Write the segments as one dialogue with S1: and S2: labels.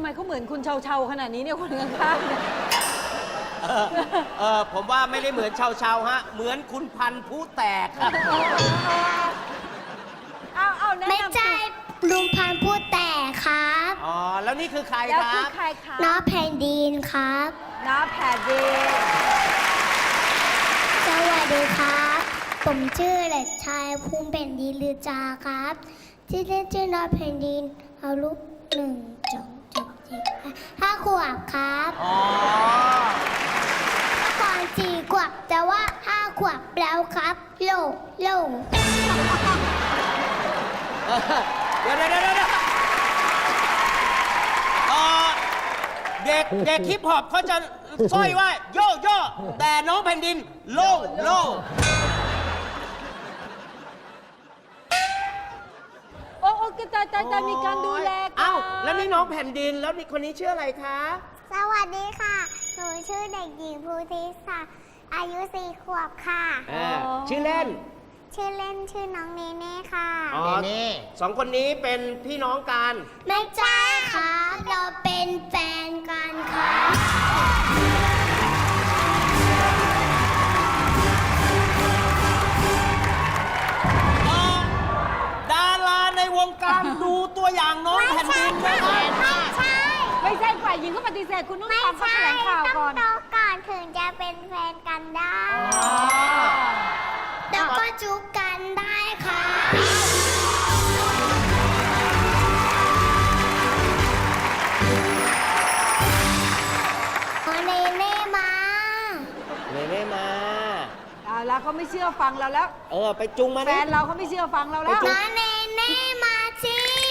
S1: มเขาเหมือนคุณเชาๆขนาดนี้เนี่ยคนข้างๆเนี่ย
S2: ผมว่าไม่ได้เหมือนชาวฮะเหมือนคุณพันธุ์ผู้แตกครับ
S1: เอาแนะนำ
S3: ไม่ใช่ลุงพันธุ์พูดแต่ครับ
S2: อ๋อแล้วนี่คือใคร
S1: แล้ว
S2: ค
S1: คื
S2: รั
S1: อบ ใครคะ
S3: น้าแผ่นดินครับ
S1: น้าแผ่นดิน
S3: สวัสดีครับ ผมชื่อเด็กชายภูมิแผ่นดินลือจาครับชื่อเล่นชื่อน้าแผ่นดินเอาลูก1 2 3 4 5 ขวบครับ
S2: อ๋อ
S3: ก่อน4 ขวบแต่ว่า5 ขวบแล้วครับโล
S2: เดี๋ยวเด็กฮิปฮอปเขาจะสร้อยว่าโยโย่แต่น้องแผ่นดินโล่โล่
S1: โอ้จะมีการดูแลกัน
S2: เอ้าแล้วนี่น้องแผ่นดินแล้วนี่คนนี้ชื่ออะไรคะ
S3: สวัสดีค่ะ หนูชื่อเด็กหญิงภูธิศาอายุ4 ขวบค่ะ
S2: ชื่อเล่น
S3: ชื่อเล่นชื่อน้องเนเน่ค่ะ
S2: อ๋อสองคนนี้เป็นพี่น้องกัน
S3: ไม่ใช่ครับเราเป็นแฟนกันครับ
S2: ดาราในวงการดูตัวอย่างน้องแผ่นดินนะครับ
S1: ไม่ใช่ฝ่ายหญิงก็ปฏิเสธคุณต้องฟังเขาแถลงข่าวก่อน
S3: ต้องโตก่อนถึงจะเป็นแฟนกันได้แล้วก็จุกกันได้ค่ะเนเน่มา
S2: เนเน่มา
S1: แล้วเขาไม่เชื่อฟังเราแล้ว
S2: ไปจุงมา
S1: แฟนเราเขาไม่เชื่อฟังเราแล้ว
S3: น้าเนเน่มาสิ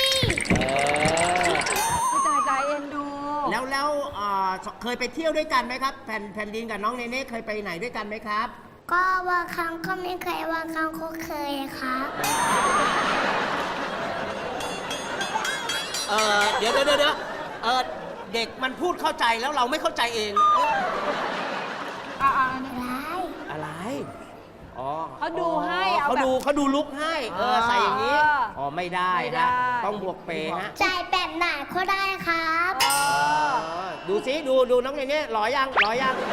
S1: ตายเอ็นดู
S2: แล้วเคยไปเที่ยวด้วยกันไหมครับแผ่นดินกับน้องเนเน่เคยไปไหนด้วยกันไหมครับ
S3: ก็บางครั้งก็ไม่เคยบางครั้งก็เคยครับ
S2: เดี๋ยวเด็กมันพูดเข้าใจแล้วเราไม่เข้าใจเอง อะไร อ๋อ
S1: เขาดูให้
S2: เขา
S1: แบบ
S2: ดูลุกให้ ใส่อย่างนี้ อ๋อ ไม่ได้
S1: ไม่ได้
S2: ฮะต้องบวกเปฮะ
S3: ใจแบบไหนก็ได้ครับ
S2: ดูซิดูน้องเนเน่หล่อยังเ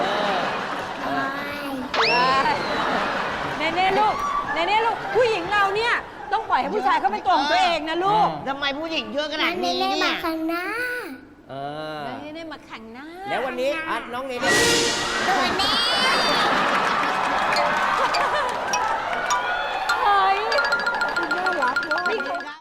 S1: เน่ลูกผู้หญิงเราเนี่ยต้องปล่อยให้ผู้ชายเขาเป็นตัวของตัวเองนะลูก
S4: ทำไมผู้หญิงเยอะขนาดนี้
S3: เล่
S4: เนี่
S3: มาย ข้างหน้า
S1: เน่มาแข่งหน้า
S2: แล้ววันนี้น้องเนเน่
S3: ตัวนี้